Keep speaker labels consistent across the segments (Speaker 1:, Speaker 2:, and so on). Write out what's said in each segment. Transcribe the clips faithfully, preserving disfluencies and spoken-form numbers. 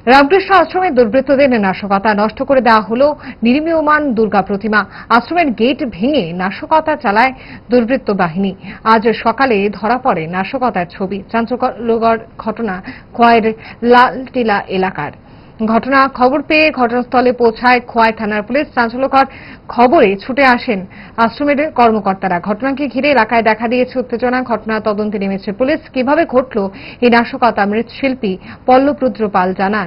Speaker 1: রামকৃষ্ণ আশ্রমের দুর্বৃত্তদের নাশকতা, নষ্ট করে দেওয়া হলো নির্মীয়মান দুর্গা প্রতিমা। আশ্রমের গেট ভেঙে নাশকতা চালায় দুর্বৃত্ত বাহিনী। আজ সকালে ধরা পড়ে নাশকতার ছবি। চাঞ্চল্যকর ঘটনা খোয়াইয়ের লালটিলা এলাকার। ঘটনা খবর পেয়ে ঘটনাস্থলে পৌঁছায় খোয়াই থানার পুলিশ। চাঞ্চল্যকর খবরে ছুটে আসেন আশ্রমের কর্মকর্তারা। ঘটনাকে ঘিরে এলাকায় দেখা দিয়েছে উত্তেজনা। ঘটনা তদন্তে নেমেছে পুলিশ। কিভাবে ঘটল এই নাশকতা, মৃৎশিল্পী পল্লব রুদ্র পাল জানান।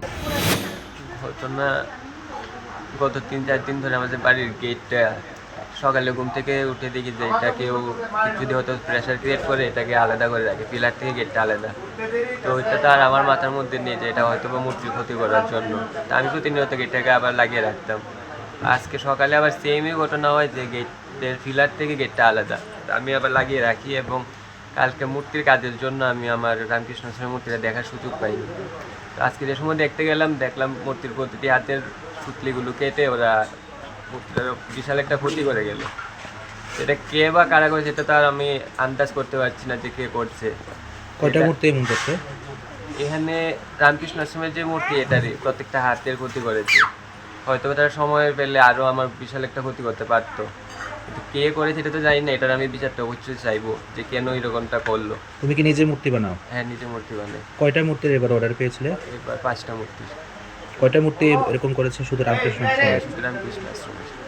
Speaker 2: ঘটনা গত তিন চার দিন ধরে আমাদের বাড়ির গেটটা সকালে ঘুম থেকে উঠে দেখি যে এটা কেউ যদি হয়তো প্রেশার ক্রিয়েট করে এটাকে আলাদা করে রাখে, পিলার থেকে গেটটা আলাদা। তো ওইটা তো আর আমার মাথার মধ্যে নেই যে এটা হয়তো বা মূর্তির ক্ষতি করার জন্য। তা আমি প্রতিনিয়ত গেটটাকে আবার লাগিয়ে রাখতাম। আজকে সকালে আবার সেমই ঘটনা হয় যে গেটের পিলার থেকে গেটটা আলাদা, আমি আবার লাগিয়ে রাখি। এবং কালকে মূর্তির কাজের জন্য আমি আমার রামকৃষ্ণ আশ্রমের মূর্তিটা দেখার সুযোগ পাইনি। আজকে যে সময় দেখতে গেলাম, দেখলাম মূর্তির প্রতিটি হাতের সুতলিগুলো কেটে ওরা মূর্তিটার বিশাল একটা ক্ষতি করে গেল। এটা কে বা কারা করেছে সেটা তো আর আমি আন্দাজ করতে পারছি না যে কে করছে।
Speaker 3: কয়টা মূর্তি এমন করছে?
Speaker 2: এখানে রামকৃষ্ণ আশ্রমের যে মূর্তি এটারই প্রত্যেকটা হাতের ক্ষতি করেছে। হয়তো তারা সময় পেলে আরও আমার বিশাল একটা ক্ষতি করতে পারতো, কিন্তু কে করেছে এটা তো জানি না। এটার আমি বিচারটা অবশ্যই চাইবো যে কেন এরকমটা করলো।
Speaker 3: তুমি কি নিজে মূর্তি বানাও?
Speaker 2: হ্যাঁ, নিজে মূর্তি বানাই।
Speaker 3: কয়টা মূর্তির এবার অর্ডার পেয়েছিলে?
Speaker 2: এবার পাঁচটা মূর্তি।
Speaker 3: কয়টা মূর্তি এরকম করেছে শুধু রামকৃষ্ণ আশ্রমে?
Speaker 2: হ্যাঁ, শুধু রামকৃষ্ণ আশ্রমে।